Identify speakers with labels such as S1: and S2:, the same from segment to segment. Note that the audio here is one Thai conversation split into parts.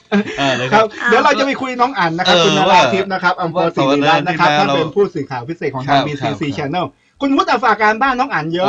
S1: ครับเดี๋ยวเราจะไปคุยน้องอั๋นนะครับคุณนราทิพย์นะครับอัมพรศิริรัตน์นะครับท่านเป็นผู้สื่อข่าวพิเศษของทาง BCC Channel คุณวุฒิฝากการบ้านน้องอั๋นเยอะ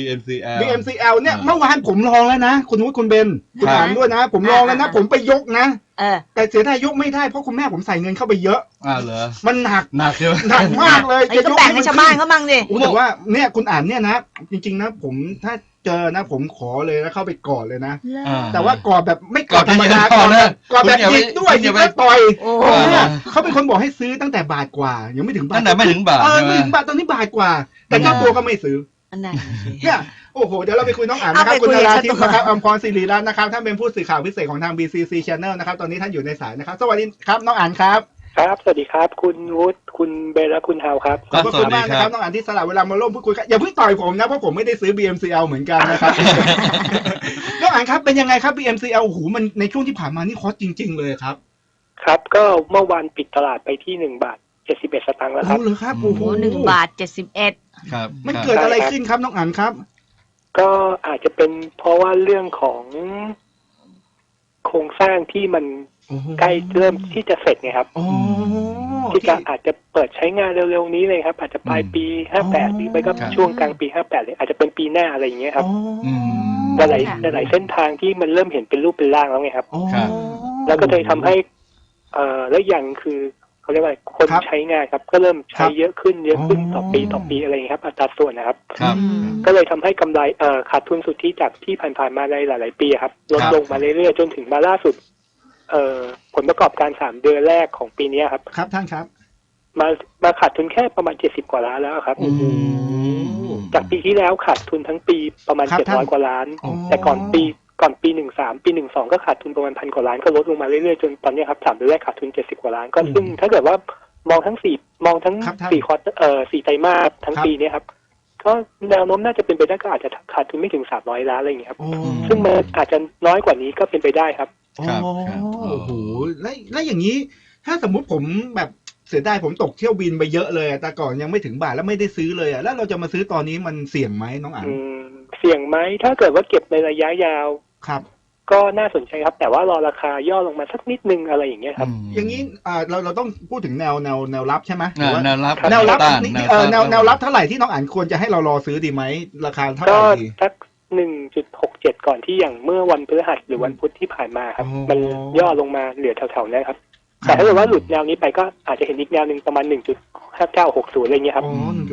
S1: BMCL เนี่ยเมื่อวานผมลองแล้วนะคุณวุฒิคุณเบนคุณอั๋นด้วยนะผมลองแล้วนะผมไปยกนะแต่เสียดายยกไม่ได้เพราะคุณแม่ผมใส่เงินเข้าไปเยอะ
S2: เหรอ
S1: มันหนัก
S2: ใช่ไหม
S1: หนักมากเลย
S3: จะแบ่งให้ชาวบ้านเขามั่งดิ
S1: แต่ว่าเนี่ยคุณอั๋นเนี่ยนะจริงๆนะผมถ้าเจอนะผมขอเลยแล้วเข้าไปกอดเลยนะแต่ว่ากอดแบบไม่กอดธรรมดากอดแบบยิงด้วยยิงแล้วต่อยเขาเป็นคนบอกให้ซื้อตั้งแต่บาทกว่ายังไม่ถึงบาท
S2: ตั้งแต่ไม่ถึงบาท
S1: ไม่ถึงบาทตอนนี้บาทกว่าแต่เจ้าตัวก็ไม่ซื้อเนี่ยโอ้โหเดี๋ยวเราไปคุยน้องอั๋นนะครับคุณนราทิพย์นะครับอัมพรศิริรัตน์นะครับท่านเป็นผู้สื่อข่าวพิเศษของทาง BCC Channel นะครับตอนนี้ท่านอยู่ในสายนะครับสวัสดีครับน้องอั๋นครับ
S4: ครับสวัสดีครับคุณวุฒิคุณเบลและคุณเฮาครับ
S1: ขอบคุณมากนะครับน้องอั๋นที่สละเวลามาร่วมพูดคุยกันอย่าเพิ่งต่อยผมนะเพราะผมไม่ได้ซื้อ BMCL เหมือนกันนะครับน้องอั๋นครับเป็นยังไงครับ BMCL โอ้โหมันในช่วงที่ผ่านมานี่ฮอตจริงๆเลยครับ
S4: ครับก็เมื่อวานปิดตลาดไปที่1 บาท 71 สตางค์แล้วครับ
S1: โอ้เหรอครับโอ้โห
S3: 1 บาท 71
S2: ครับ
S1: มันเกิดอะไรขึ้นครับน้องอั๋นครับ
S4: ก็อาจจะเป็นเพราะว่าเรื่องของโครงสร้างที่มันใกล้เริ่มที่จะเสร็จไงครับที่จะอาจจะเปิดใช้งานเร็วๆนี้เลยครับอาจจะปลายปี58หรือไม่ก็ช่วงกลางปี58เลยอาจจะเป็นปีหน้าอะไรอย่างเงี้ยครับหลายเส้นทางที่มันเริ่มเห็นเป็นรูปเป็นร่างแล้วไงครับแล้วก็เลยทำให้แล้วอย่างคือเขาเรียกว่าคนใช้งานครับก็เริ่มใช้เยอะขึ้นต่อปีอะไรอย่างนี้ครับอัตราส่วนนะครับก็เลยทำให้กำไรขาดทุนสุทธิจากที่ผ่านๆมาในหลายๆปีครับลดลงมาเรื่อยๆจนถึงมาล่าสุดผลประกอบการ3 เดือนแรกของปีนี้ครับ
S1: ครับท่านครับ
S4: มาขาดทุนแค่ประมาณ70 กว่าล้านแล้วครับจากปีที่แล้วขาดทุนทั้งปีประมาณ700 กว่าล้านแต่ก่อนปี13ปี12ก็ขาดทุนประมาณ1,000 กว่าล้านก็ลดลงมาเรื่อยๆจนตอนนี้ครับ3 เดือนแรกขาดทุน70 กว่าล้านก็ซึ่งถ้าเกิดว่ามองทั้ง4ควอเตอร์4 ไตรมาสทั้งปีนี้ครับก็แนวโน้มน่าจะเป็นไปได้ก็อาจจะขาดทุนไม่ถึง300 ล้านอะไรอย่างเงี้ยครับซึ่งมันอาจจะน้อยกว่านี้ก็เป็นไปได้ครับ
S1: โอ้โหแล้วอย่างนี้ถ้าสมมุติผมแบบเสียดายผมตกเที่ยวบินไปเยอะเลยแต่ก่อนยังไม่ถึงบาทแล้วไม่ได้ซื้อเลยแล้วเราจะมาซื้อตอนนี้มันเสี่ยงไหมน้องอั๋น
S4: เสี่ยงไหมถ้าเกิดว่าเก็บในระยะยาว
S1: ครับ
S4: ก็น่าสนใจครับแต่ว่ารอราคาย่อลงมาสักนิดนึงอะไรอย่างเงี้ยครับ
S1: อย่างนี้เราต้องพูดถึงแนวรับใช่ไหม
S2: แนวรับ
S1: แนวรับเท่าไหร่ที่น้องอั๋นควรจะให้เรารอซื้อดีไหมราคาเท่าไหร่ดี
S4: สัก1.67 ก่อนที่อย่างเมื่อวันพฤหัสหรือวันพุธที่ผ่านมาครับมันย่อลงมาเหลือแถวๆนี้ครับแต่ถ้าเกิดว่าหลุดแนวนี้ไปก็อาจจะเห็นอีกแนวหนึ่งประมาณ 1.5960 อะไรเงี้ยครับ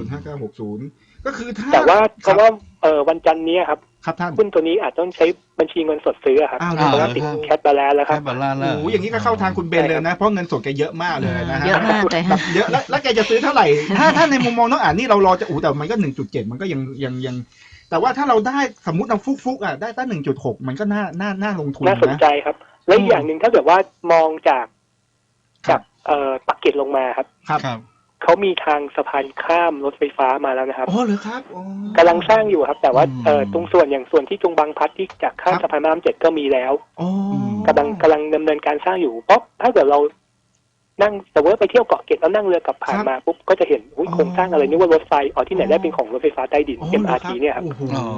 S1: 1.5960ก็คือถ้า
S4: แต่ว่าเพราะว่าวันจันทร์นี้ครับ
S1: ท่าน
S4: หุ้นตัวนี้อาจต้องใช้บัญชีเงินสดซื้อครับเพราะว่าติดแคชบาลานซ์แล้วครับ
S1: โอ้อย่างนี้ก็เข้าทางคุณเบนเลยนะเพราะเงินสดแกเยอะมากเลยนะฮะ
S3: เยอะมากเลย
S1: เยอะแล้วแกจะซื้อเท่าไหร่ถ้าในมุมมองน้องอ่านนี่เรารอจะแต่มันก็ 1.7 มันก็ยังแต่ว่าถ้าเราได้สมมุติเราฟุกได้ตั้ง 1.6 มันก็น่าลงทุนนะ
S4: น่าสนใจครับและอย่างหนึ่งถ้าเกิดว่ามองจากปักเก็ตลงมาครับเขามีทางสะพานข้ามรถไฟฟ้ามาแล้วนะครับ
S1: อ๋อเหรอครับ
S4: กำลังสร้างอยู่ครับแต่ว่าตรงส่วนที่จงบางพลัดที่จากข้ามสะพานพระราม7ก็มีแล้วกำลังดำเนินการสร้างอยู่เพราะถ้าเกิดเรานั่งแต่ว่าไปเที่ยวเกาะเกร็ดแล้วนั่งเรือกลับผ่านมาปุ๊บก็จะเห็นโครงสร้างอะไรนึกว่ารถไฟที่ไหนได้เป็นของรถไฟฟ้าใต้ดิน MRT เนี่ยครับ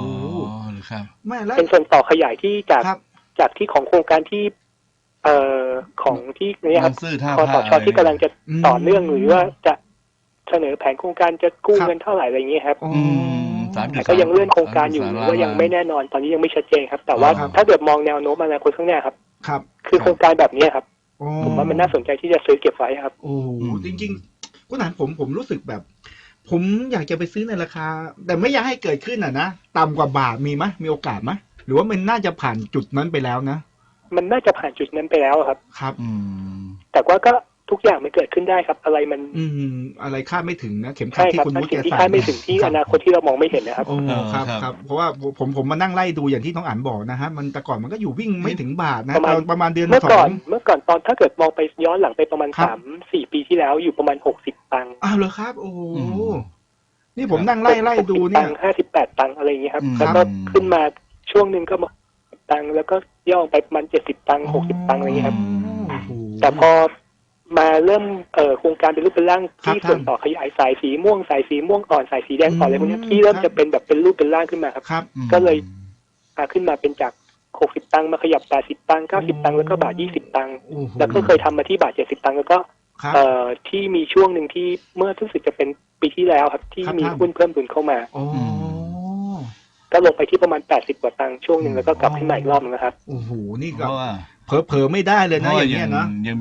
S4: เป็นส่วนต่อขยายที่จากที่ของโครงการที่ของที่นี่ครับคสช.ที่กำลังจะต่อเนื่องหรือว่าจะเสนอแผนโครงการจะกู้เงินเท่าไหร่อะไรอย่างเงี้ยครับแต่ก็ยังเลื่อนโครงการอยู่ก็ยังไม่แน่นอนตอนนี้ยังไม่ชัดเจนครับแต่ว่าถ้าเกิดมองแนวโน้มอนาคตข้างหน้าครับคือโครงการแบบนี้ครับผมว่ามันน่าสนใจที่จะซื้อเก็บไว้ครับ
S1: โอ้จริงๆคุณหนานผมรู้สึกแบบผมอยากจะไปซื้อในราคาแต่ไม่อยากให้เกิดขึ้นนะต่ำกว่าบาทมีโอกาสไหมหรือว่ามันน่าจะผ่านจุดนั้นไปแล้วนะ
S4: มันน่าจะผ่านจุดนั้นไปแล้วครับ
S1: ครับ
S4: แต่ว่าก็ทุกอย่างมันเกิดขึ้นได้ครับอะไรมัน
S1: อะไรคาดไม่ถึงนะเข็มขัดที่คุณมุ้ย
S4: ที่คาดไม่ถึงที่อนาคตที่เรามองไม่เห็นนะครับ
S1: ครับเพราะว่าผมมานั่งไล่ดูอย่างที่น้องอั๋นบอกนะฮะมันแต่ก่อนมันก็อยู่วิ่งไม่ถึงบาทนะประมาณเดือน2เมื่อ
S4: ก่อนตอนถ้าเกิดมองไปย้อนหลังไปประมาณ 3-4 ปีที่แล้วอยู่ประมาณ60 ตังค์
S1: เหรอครับโอ้นี่ผมนั่งไล่ดูเนี่ย
S4: 58 ตังค์อะไรอย่างเงี้ยครับแล้วก็ขึ้นมาช่วงนึงก็มาตังค์แล้วก็ย่อไปประมาณ70 ตังค์60 ตังค์อะไรอย่างเงี้ยครับแต่พอมาเริ่มโครงการเป็นรูปเป็นร่างที่ส่วนต่อขยายสายสีม่วงอ่อนสายสีแดงอ่อนอะไรพวกนี้ที่เริ่มจะเป็นแบบเป็นรูปเป็นร่างขึ้นมาครับก็เลยขึ้นมาเป็นจากโค 60 ตังค์มาขยับ80 ตังค์90 ตังค์แล้วก็บาท20 ตังค์แล้วก็เคยทำมาที่บาท70 ตังค์แล้วก็ที่มีช่วงหนึ่งที่เมื่อรู้สึกจะเป็นปีที่แล้วครับที่มีหุ้นเพิ่มทุนเข้ามาก็ลงไปที่ประมาณ80 กว่าตังค์ช่วงหนึ่งแล้วก็กลับขึ้นมาอีกรอบนึงนะครับ
S1: โอ้โหนี่ก็เผลอไม่ได้เลยนะอย่างเงี้ยนะ
S2: อย่าง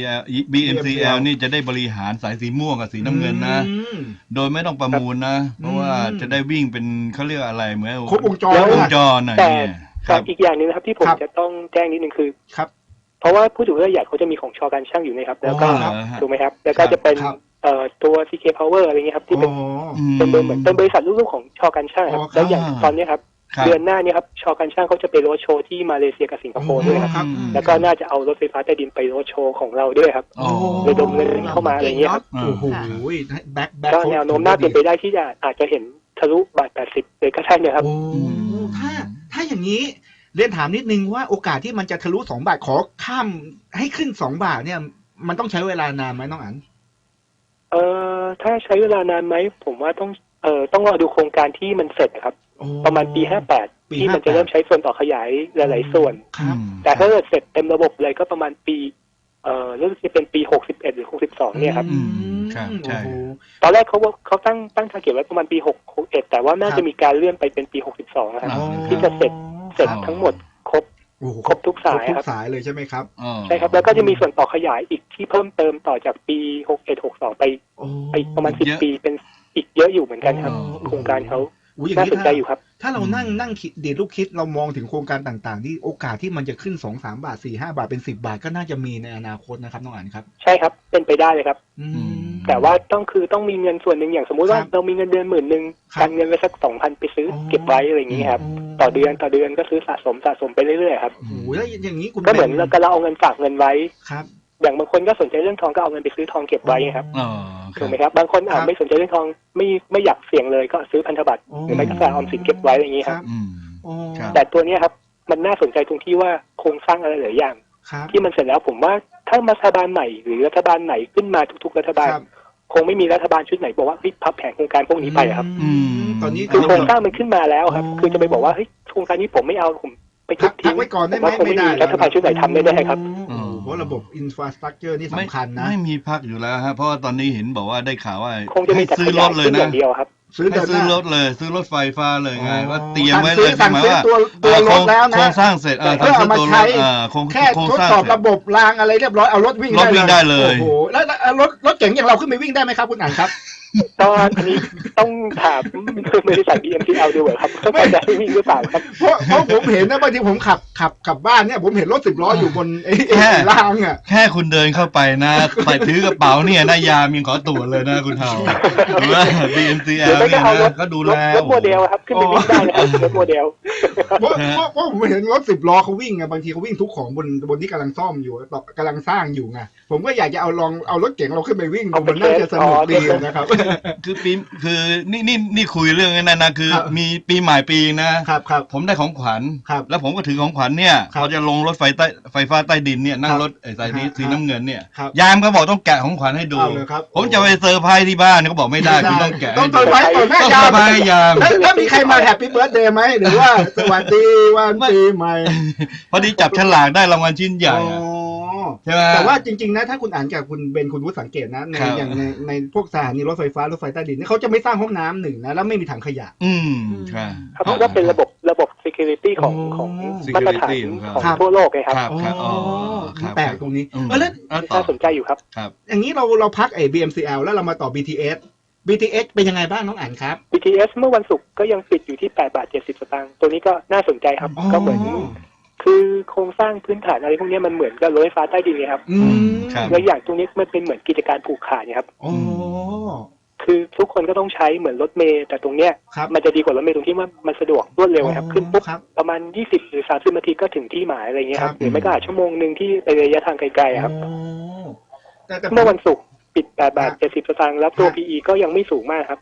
S2: BMCL นี่จะได้บริหารสายสีม่วงกับสีน้ำเงินนะโดยไม่ต้องประมูลนะเพราะว่าจะได้วิ่งเป็นเขาเรียกอะไรเหมือน
S1: ครบวงจร
S2: น่ะ
S4: แต่อีกอย่างนึงนะครับที่ผมจะต้องแจ้งนิดนึงคือเพราะว่าผู้ถือหุ้นรายใหญ่เขาจะมีของชอการช่างอยู่นะครับแล้วก็ถูกไหมครับแล้วก็จะเป็นตัว CK Power อะไรเงี้ยครับที่เป็นเหมือนเป็นบริษัทลูกๆของชอการช่างครับแล้วอย่างตอนนี้ครับเดือนหน้านี้ครับชอการช่างเขาจะไปโรดโชว์ที่มาเลเซียกับสิงคโปร์ด้วยครับแล้วก็น่าจะเอารถไฟฟ้าใต้ดินไปโรดโชว์ของเราด้วยครับระดมเงินเข้ามาอะไรเงี้ยครับ
S1: โอ้โห
S4: ก็แนวโน้มน่าเป็นไปได้ที่จะอาจจะเห็นทะลุบาท80เลยก็ได้นะครับ
S1: ถ้าอย่างนี้เรียนถามนิดนึงว่าโอกาสที่มันจะทะลุ2 บาทขอข้ามให้ขึ้น2 บาทเนี่ยมันต้องใช้เวลานานไหมน้องอั๋น
S4: ถ้าใช้เวลานานไหมผมว่าต้องรอดูโครงการที่มันเสร็จครับประมาณปี58ที่มันจะเริ่มใช้ส่วนต่อขยายหลายๆส่วนแต่ถ้าเสร็จเต็มระบบเลยก็ประมาณปีรู้สึกจะเป็นปี61หรือ62เนี่ยครับ
S2: ใช่
S4: ตอนแรกเขาตั้งทาร์เก็ตไว้ประมาณปี61แต่ว่าน่าจะมีการเลื่อนไปเป็นปี62นะครับที่จะเสร็จทั้งหมดครบทุกสายครับ
S1: ทุกสายเลยใช่ไหมครับ
S4: ใช่ครับแล้วก็จะมีส่วนต่อขยายอีกที่เพิ่มเติมต่อจากปี61-62ไปประมาณ10 ปีเป็นอีกเยอะอยู่เหมือนกันครับโครงการเขาน่าสนใจอยู่ครับ
S1: ถ้าเรานั่งคิดเดี๋ยวลูกคิดเรามองถึงโครงการต่างๆที่โอกาสที่มันจะขึ้น2-3 บาท4-5 บาทเป็น10 บาทก็น่าจะมีในอนาคตนะครับน้องอั๋นครับ
S4: ใช่ครับเป็นไปได้เลยครับแต่ว่าต้องมีเงินส่วนหนึ่งอย่างสมมุติว่าเรามีเงินเดือน10,000การเงินไว้สัก 2,000 ไปซื้อเก็บไว้อะไรอย่างนี้ครับต่อเดือนก็ซื้อสะสมไปเรื่อยๆครับ
S1: โอ้โหแล้วอย่างนี้
S4: ก็เหมือนเราเอาเงินฝากเงินไว้
S1: ครับ
S4: อย่างบางคนก็สนใจเรื่องทองก็เอาเงินไปซื้อทองเก็บไว้ครับถูกไหมครับบางคนไม่สนใจเรื่องทองไม่อยากเสี่ยงเลยก็ซื้อพันธบัตรหรือไม่ก็ฝากออมสินเก็บไว้อย่างนี้ครับแต่ตัวนี้ครับมันน่าสนใจตรงที่ว่าโครงสร้างอะไรหลายอย่างที่มันเสร็จแล้วผมว่าถ้ารัฐบาลใหม่หรือรัฐบาลไหนขึ้นมาทุกๆรัฐบาลคงไม่มีรัฐบาลชุดไหนบอกว่าพับแผนโครงการพวกนี้ไปครับ
S1: ตอนนี้
S4: คือโครงสร้างมันขึ้นมาแล้วครับคือจะไปบอกว่าเฮ้ยโครงการนี้ผมไม่เอาผมไปทุบทิ้ง
S1: ไว้ก่อนได้ไหม
S4: ไม่ได้รัฐบาลชุดไหนทำไม่ได้ครับ
S1: เพราะระบบอินฟราสตรัคเจอร์นี่สำคัญนะ
S2: ไม่มีพักอยู่แล้วฮะเพราะว่าตอนนี้เห็นบอกว่าได้ข่าวว่า
S4: คงจะมี
S2: ซื้อรถเลยนะ
S4: เดียวครับ
S2: ซื้อรถเลยซื้อรถไฟฟ้าเลยไงว่าเตรียมไว้เลย
S1: สั่งซื้อตัวรถแล้วนะ
S2: โครงสร้างเสร็จ
S1: เพื่อเอามาใช้แค่ทดสอบระบบรางอะไรเรียบร้อยเอารถวิ่ง
S2: ได้เลย
S1: โอ้โหแล้วรถเก๋งอย่างเราขึ้นไปวิ่งได้ไหมครับคุณอั๋นครับ
S4: ตอนนี้ต้องถามบริษัท BMCL ดูครับว่าจะวิ่งหรือเปล่าครับ
S1: เพราะผมเห็นนะบางทีผมขับบ้านเนี่ยผมเห็นรถ10 ล้ออยู่บนไอ้รางอ่ะ
S2: แค่คุณเดินเข้าไปนะไปถือกระเป๋าเนี่ยนายามยังขอตรวจเลยนะคุณเฮาว่า BMCL เนี่ยก็ดูแล
S4: รถโมเดลครับขึ้นไปวิ่งได้นะครับรถโมเดล
S1: เพราะผมเห็นรถ10 ล้อเขาวิ่งไงบางทีเขาวิ่งทุกของบนที่กำลังซ่อมอยู่กำลังสร้างอยู่ไงผมก็อยากจะเอารถเก๋งเราขึ้นไปวิ่งมันน่าจะสนุกดีนะครับ
S2: คือนี่คุยเรื่องนั้นนะคือมีปีใหม่ปีนะครับผมได้ของขวัญแล้วผมก็ถือของขวัญเนี่ยพอจะลงรถไฟฟ้าใต้ดินเนี่ยนั่งรถสายนี้สีน้ำเงินเนี่ยยามก็บอกต้องแกะของขวัญให้ดูผมจะไปเซอร์ไพรส์ที่บ้านเขาบอกไม่ได้คุณต้องแกะ
S1: ต้องเซอร์ไพรส์ก่อนแม่ยามแล้วมีใครมาแฮปปี้เบิร์ธเดย์ไหมหรือว่าสวัสดีวันปีใหม่
S2: พอดีจับฉลากได้รางวัลชิ้นใหญ่ใช่ไหม
S1: แต่ว่าจริงๆนะถ้าคุณอ่านกับคุณเบนคุณวุฒิสังเกตนะอย่างในพวกสถานีรถไฟฟ้ารถไฟใต้ดินนี่เขาจะไม่สร้างห้องน้ำหนึ่งนะแล้วไม่มีถังขยะ
S2: ใช่
S4: เพราะว่าเป็นระบบ security ของมาตรฐานของทั่วโลกไงครับ
S1: แปลกตรงนี้
S4: แล้วน่าสนใจอยู่ครับ
S1: อย่างนี้เราพักBMCL แล้วเรามาต่อ BTS เป็นยังไงบ้างน้องอั๋นครับ
S4: BTS เมื่อวันศุกร์ก็ยังปิดอยู่ที่8.70 สตางค์ตัวนี้ก็น่าสนใจครับก็เหมือนคือโครงสร้างพื้นฐานอะไรพวกนี้มันเหมือนกับรถไฟฟ้าใต้ดินเลยครับแล้วอย่างตรงนี้มันเป็นเหมือนกิจการผูกขาดครับคือทุกคนก็ต้องใช้เหมือนรถเมล์แต่ตรงเนี้ยมันจะดีกว่ารถเมล์ตรงที่ว่ามันสะดวกรวดเร็วครับขึ้นปุ๊บประมาณ20 หรือ 30 นาทีก็ถึงที่หมายอะไรเงี้ยครับหรือไม่ก็อาจชั่วโมงนึงที่ไประยะทางไกลๆครับเมื่อวันศุกร์ปิด8.70 สตางค์แล้วตัว PE ก็ยังไม่สูงมากครับ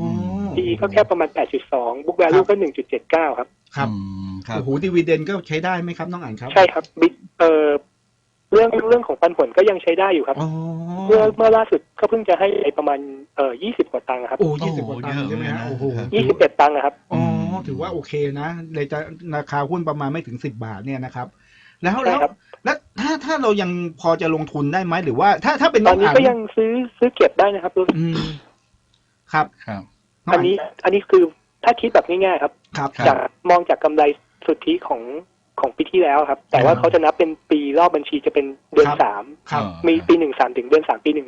S4: PE ก็แค่ประมาณ 8.2 book value ก็ 1.79 ครับ
S1: ครับโอ้โหดิวิเดนก็ใช้ได้ไหมครับน้องอั๋นครับ
S4: ใช่ครับเเรื่องของปันผลก็ยังใช้ได้อยู่ครับเมื่อล่าสุดก็เพิ่งจะให้ประมาณ20 กว่าตังค์ครับ
S1: โอ้20 กว่าตังค์ใช่ไหมฮะโอ้โห
S4: 21 ตังค์นะครับ
S1: อ๋อถือว่าโอเคนะเลยจะราคาหุ้นประมาณไม่ถึง10 บาทเนี่ยนะครับแล้วถ้าเรายังพอจะลงทุนได้ไหมหรือว่าถ้าเป็น
S4: ตอนนี้ก็ยังซื้อเก็บได้นะครับ
S1: ครับ
S4: อันนี้คือถ้าคิดแบบง่ายๆครับจากมองจากกำไรสุทธิของปีที่แล้วครับแต่ว่าเขาจะนับเป็นปีรอบบัญชีจะเป็นเดือน3มีปี13ถึงเดือน3ปี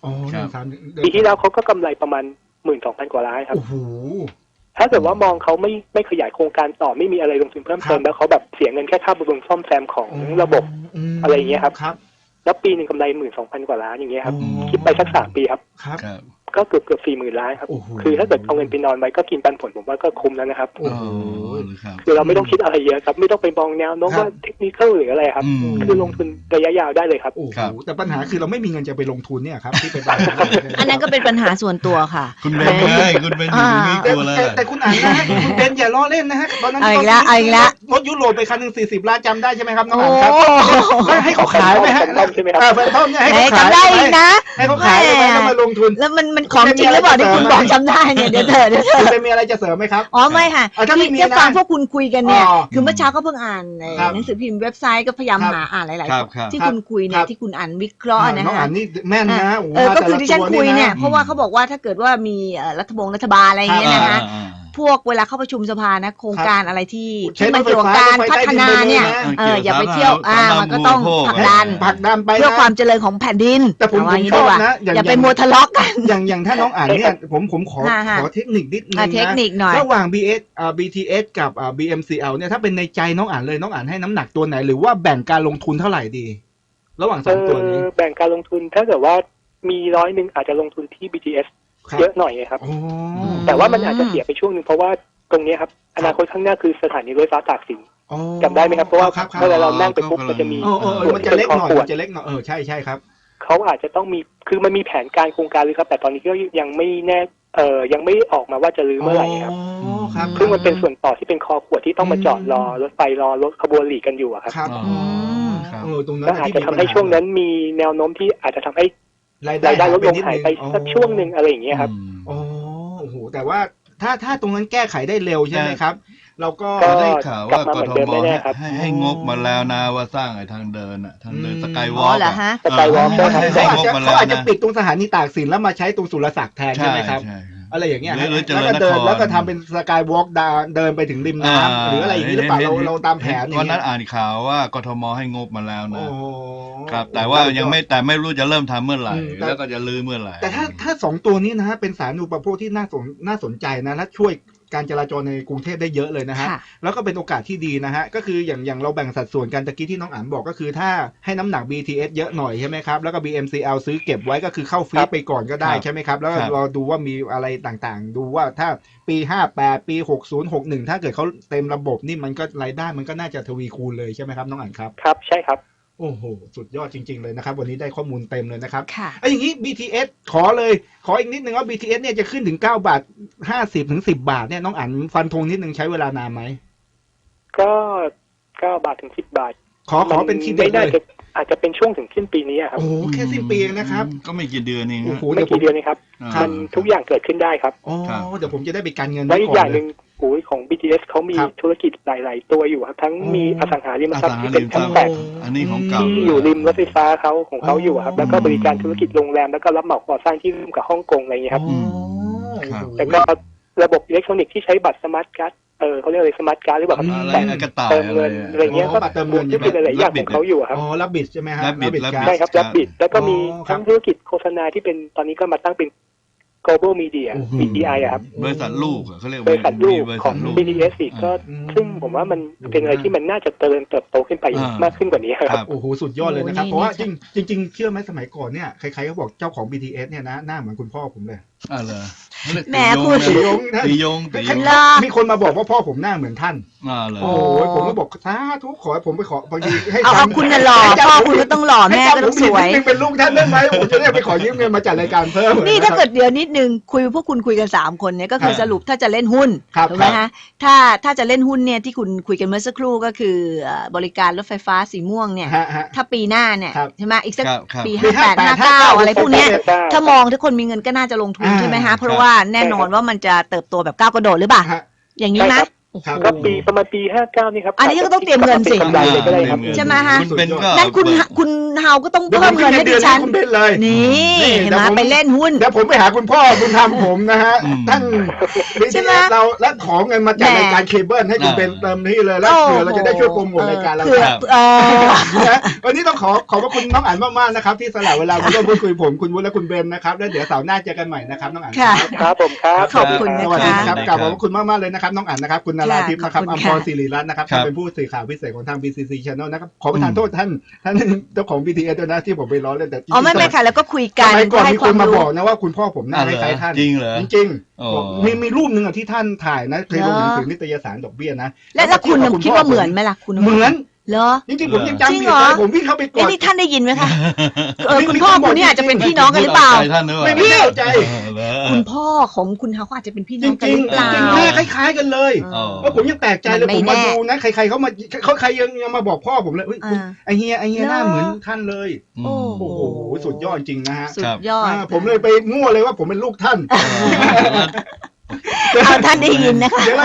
S4: 14ปีที่แล้วเขาก็กำไรประมาณ 12,000 กว่าล้านครับถ้าเกิดว่ามองเขาไม่ขยายโครงการต่อไม่มีอะไรลงทุนเพิ่มเติมแล้วเขาแบบเสียเงินแค่ค่าบำรุงซ่อมแซมของระบบอะไรอย่างเงี้ยครับแล้วปีนึงกำไร 12,000 กว่าล้านอย่างเงี้ยครับคิดไปสัก3 ปีครับก็เกือบ 40,000 ล้านครับคือถ้าเกิดเอาเงินไปนอนไว้ก็กินปันผลผมว่าก็คุ้มแล้วนะครับคือเราไม่ต้องคิดอะไรเยอะครับไม่ต้องไปมองแนวโน้มว่าเทคนิคหรืออะไรครับคือลงทุนระยะยาวได้เลยครับ
S1: แต่ปัญหาคือเราไม่มีเงินจะไปลงทุนเนี่ยครับที่เป็น
S3: อันนั้นก็เป็นปัญหาส่วนตัวค่ะ
S2: คุณเบนคุณเบนอยู่นี่ตัวเลย
S1: แต่คุณอ่านนะฮะคุณเบนอย่าล้อเล่นนะฮะตอนนั้นรถยุโรปไปคันนึง40 ล้านจำได้ใช่ไหมครับน้องอ่านครับให้เขาขายไหมฮะ
S4: ใช่ไหมครับ
S1: แฟนทอมเนี่ยให้เขาขาย
S3: ได้อีกนะ
S1: ให้เขาขายแล้วมาลงทุน
S3: แล้วมันของจริงหรือเปล่าที่คุณบอกจำได้เนี่ยเดี๋ยวเธอ
S1: จะมีอะไรจะเสริมไหมครับ
S3: อ๋อไม่ค่ะที่ฟังพวกคุณคุยกันเนี่ยคือเมื่อเช้าก็เพิ่งอ่านหนังสือพิมพ์เว็บไซต์ก็พยายามหาอ่านหลายๆที่คุณคุยเนี่ยที่คุณอ่านวิเคราะห์นะ
S1: ฮะอ่านนี่แม่นนะ
S3: ก็คือที่ฉันคุยเนี่ยเพราะว่าเขาบอกว่าถ้าเกิดว่ามีรัฐบาลอะไรอย่างเงี้ยนะคะพวกเวลาเข้าประชุมสภานะโครงการอะไรที่มันเกี่ยวกับการพัฒนาเนี่ยอย่าไปเที่ยวมันก็ต้องผลักดันไปเพื่อความเจริญของแผ่นดิน
S1: แต่ผมชอบนะ
S3: อย่าไปมัวทะเลาะกัน
S1: อย่างถ้าน้องอ่านเนี่ยผมขอเทคนิคนิดนึงนะระหว่าง BTS กับ BMCL เนี่ยถ้าเป็นในใจน้องอ่านเลยน้องอ่านให้น้ำหนักตัวไหนหรือว่าแบ่งการลงทุนเท่าไหร่ดีระหว่าง2 ตัวนี้
S4: แบ่งการลงทุนถ้าเกิดว่ามี100อาจจะลงทุนที่ BTSเยอะหน่อยครับแต่ว่ามันอาจจะเสียไปช่วงนึงเพราะว่าตรงนี้ครับอนาคตข้างหน้าคือสถานีรถไฟฟ้าตากสินจำได้ไหมครับเพราะว่าเวลาเรานั่งไปปุ๊บมันจะมี
S1: มันจะเล็กหน่อยใช่ครับ
S4: เขาอาจจะต้องมีคือมันมีแผนการโครงการเลยครับแต่ตอนนี้ก็ยังไม่แน่ยังไม่ออกมาว่าจะรื้อเมื่อไหร่ครับซึ่งมันเป็นส่วนต่อที่เป็นคอขวดที่ต้องมาจอดรอรถไฟรอรถขบวนหลีกกันอยู่ครับ
S1: ตรงนั้น
S4: ก็อาจจะทำให้ช่วงนั้นมีแนวโน้มที่อาจจะทำให้รายได้ลดลงหายไปสักช่วงนึงอะไรอย่างเงี้ยครับ
S1: โอ้โหแต่ว่าถ้าตรงนั้นแก้ไขได้เร็วใช่ไหมครับเราก็
S2: ได้ข่าวว่ากทมให้งบมาแล้วนะว่าสร้างไอ้ทางเดินสกายวอล์ก
S4: สกายวอล์ก
S1: เขาอาจจะปิดตรงสถานีตากสินแล้วมาใช้ตรงสุรศักดิ์แทนใช่ไหมครับอะไรอย่างเงี้ยแล้วก็เดินแล้วก็ทำเป็นสกายวอล์กเดินไปถึงริมน้ำหรืออะไรอย่างนี้หรือเปล่าเราตามแผน
S2: วันนั้นอ่านข่าวว่ากทมให้งบมาแล้วนะครับแต่ว่ายังไม่รู้จะเริ่มทำเมื่อไหร่แล้วก็จะลื้อเมื่อไหร่
S1: แต่ถ้า2 ตัวนี้นะฮะเป็นสาธารณูปโภคที่น่าสนใจนะและช่วยการจราจรในกรุงเทพได้เยอะเลยนะฮะแล้วก็เป็นโอกาสที่ดีนะฮะก็คืออย่างเราแบ่งสัดส่วนกันตะกี้ที่น้องอ่านบอกก็คือถ้าให้น้ำหนัก BTS เยอะหน่อยใช่ไหมครับแล้วก็ BMCL ซื้อเก็บไว้ก็คือเข้าฟรีไปก่อนก็ได้ใช่ไหมครับแล้วเราดูว่ามีอะไรต่างๆดูว่าถ้าปี58ปี60 61ถ้าเกิดเขาเต็มระบบนี่มันก็รายได้มันก็น่าจะทวีคูณเลยใช่ไหมครับน้องอ่านครับ
S4: ครับใช่ครับ
S1: โอ้โหสุดยอดจริงๆเลยนะครับวันนี้ได้ข้อมูลเต็มเลยนะครับอย่างนี้ BTS ขออีกนิดนึงว่า BTS เนี่ยจะขึ้นถึง9 บาท 50 ถึง 10 บาทเนี่ยน้องอ่านฟันธงนิดนึงใช้เวลานานไหม
S4: ก็9 บาทถึง 10 บาท
S1: ขอเป็นทีเด็ดเลย
S4: อาจจะเป็นช่วงถึงสิ้นปีนี้ครับ
S1: โอ้โหแค่สิ้นปีนะครับ
S2: ก็ไม่กี่เดือนเอง
S4: ไม่กี่เดือนนี้ครับมันทุกอย่างเกิดขึ้นได้ครับ
S1: อ๋อเดี๋ยวผมจะได้ไปการเงิน
S4: แล้วอีกอย่างนึงของ BTS เขามีธุรกิจหลายๆตัวอยู่ครับทั้งมีอสังหาริมทรัพย์ที่เป็นชั้น8
S2: อันนี้ของเก่า
S4: ที่อยู่ริมรถไฟฟ้าของเขาอยู่ครับแล้วก็บริการธุรกิจโรงแรมแล้วก็รับเหมาก่อสร้างที่ร่วมกับฮ่องกงอะไรอย่างเงี้ยครับแต่ก็ระบบอิเล็กทรอนิกส์ที่ใช้บัตรสมาร์ทการ์ดเขาเรียกอะไรสมาร์ทการ์ดหรือเปล่าเติมเงินอะไรเงี้ยก็
S1: เติมเงิน
S4: ที่เป็นหลายๆอย่างของเขาอยู่ครับ
S1: รับบิดใช่ไหมฮะ
S4: ใช่ครับรับบิดแล้วก็มีทั้งธุรกิจโฆษณาที่เป็นตอนนี้ก็มาตั้งเป็นGlobal Media BDI ครับ
S2: บริษัทลูกเขาเรียก
S4: บริษัทลูกของ BTS อีกก็ซึ่งผมว่ามันเป็นอะไรที่มันน่าจะเติบโตขึ้นไปมากขึ้นกว่านี้ครับ
S1: โอ้โหสุดยอดเลยนะครับเพราะว่าจริงเชื่อไหมสมัยก่อนเนี่ยใครๆก็บอกเจ้าของ BTS เนี่ยนะหน้าเหมือนคุณพ่อผมเลย
S2: เหรอ
S3: แหมคุณ
S1: สียง
S2: สียง
S1: มีคนมาบอกว่าพ่อผมหน้าเหมือนท่าน
S2: เลย
S1: โอ้ยผมก็บอกสาธุขอให้ผมไปขอบางทีให้
S3: เอาคุณน่ะหล่อพ่อคุณก็ต้องหล่อแม่ก็ต้องสวย
S1: เป็นลูกท่านได้ไหมผมจะได้ไปขอยืมเงินมาจัดรายการเพิ่ม
S3: นี่ถ้าเกิดเดี๋ยวนิดนึงพวกคุณคุยกัน3คนเนี่ยก็คือสรุปถ้าจะเล่นหุ้นถูกไหมฮะถ้าจะเล่นหุ้นเนี่ยที่คุณคุยกันเมื่อสักครู่ก็คือบริการรถไฟฟ้าสีม่วงเนี่ยถ้าปีหน้าเนี่ยใช่ไหมอีกสักปี58 59อะไรพวกเนี้ยถ้ามองทุกคนมีเงินก็น่าจะลงทุนใช่ไหมฮะเพราะว่าแน่นอนว่ามันจะเติบโตแบบก้าวกระโดดหรือเปล่าอย่างนี้ไหม
S4: ก็ประมาณปี 59 นี่ครับ
S3: อันนี้ก็ต้องเตรียมเงินสิ
S4: กำไรเลยก็ได้ครับ
S3: ใช่ไหมฮะ
S2: นั่
S3: นั่นคุณเฮาก็ต้องเพิ่มเงินให้ดิฉันนี่เห็นไหมไปเล่นหุ้น
S1: เดี๋ยวผมไปหาคุณพ่อคุณทำผมนะฮะท่านเราและขอเงินมาจัดรายการเคเบิลให้คุณเป็นเติมที่เลยแล้วเผื่อเราจะได้ช่วยโปรโมทรายการเราวันนี้ต้องขอบพระคุณน้องอั๋นมากๆนะครับที่สละเวลามาร่วมพูดคุยผมคุณวุฒิและคุณเบนนะครับแล้วเดี๋ยวเสาร์หน้าเจอกันใหม่นะครับน้องอั๋น
S4: ครับผมครับ
S3: ขอบคุณนะ
S1: สวัสดี
S3: คะ
S1: ครับกราบขอบพระคุณมากๆเลยนะครับน้องอั๋นนะครับคุณนราทิพย์นะครับอัมพรศิริรัตน์นะครับเป็นผู้สื่อข่าวพิเศษของทาง BCC Channel นะครับขอประทานโทษท่านเจ้าของ BTS ด้วยนะที่ผมไปล้อเล่นแต่
S3: อ๋อไม่ค่ะแล้วก็คุยกัน
S1: สมัยก่อนมีคนมาบอกนะว่าคุณพ่อผมหน้าคล้ายท่าน
S2: จริงเหรอ
S1: จริงๆมีรูปหนึ่งที่ท่านถ่ายนะเคยลงหนังสือนิตยสารดอกเบี้ยนะ
S3: แล้วคุณคิดว่าเหมือนไหมล่ะคุณ
S1: เหมือน
S3: เหรอ
S1: จริงๆผมยังจำอยู่เลยผมวิ่งเข้าไปกอด
S3: นี่ท่านได้ยินไหมคะคุณพ่อคุณนี่อาจจะเป็นพี่น้องกันหรือเปล่า
S1: ไม่เข้าใจ
S3: คุณพ่อของคุณเขาอาจจะเป็นพี่น้องกันหรือเปล่า
S1: จริงๆหน้าคล้ายๆกันเลยเพราะผมยังแปลกใจเลยผมมาดูนะใครๆเขาใครยังมาบอกพ่อผมเลยไอเฮียหน้าเหมือนท่านเลยโอ้โหสุดยอดจริงนะฮะ
S3: สุดยอด
S1: ผมเลยไปมั่วเลยว่าผมเป็นลูกท่าน
S3: เอาท่านได้ยินนะคะ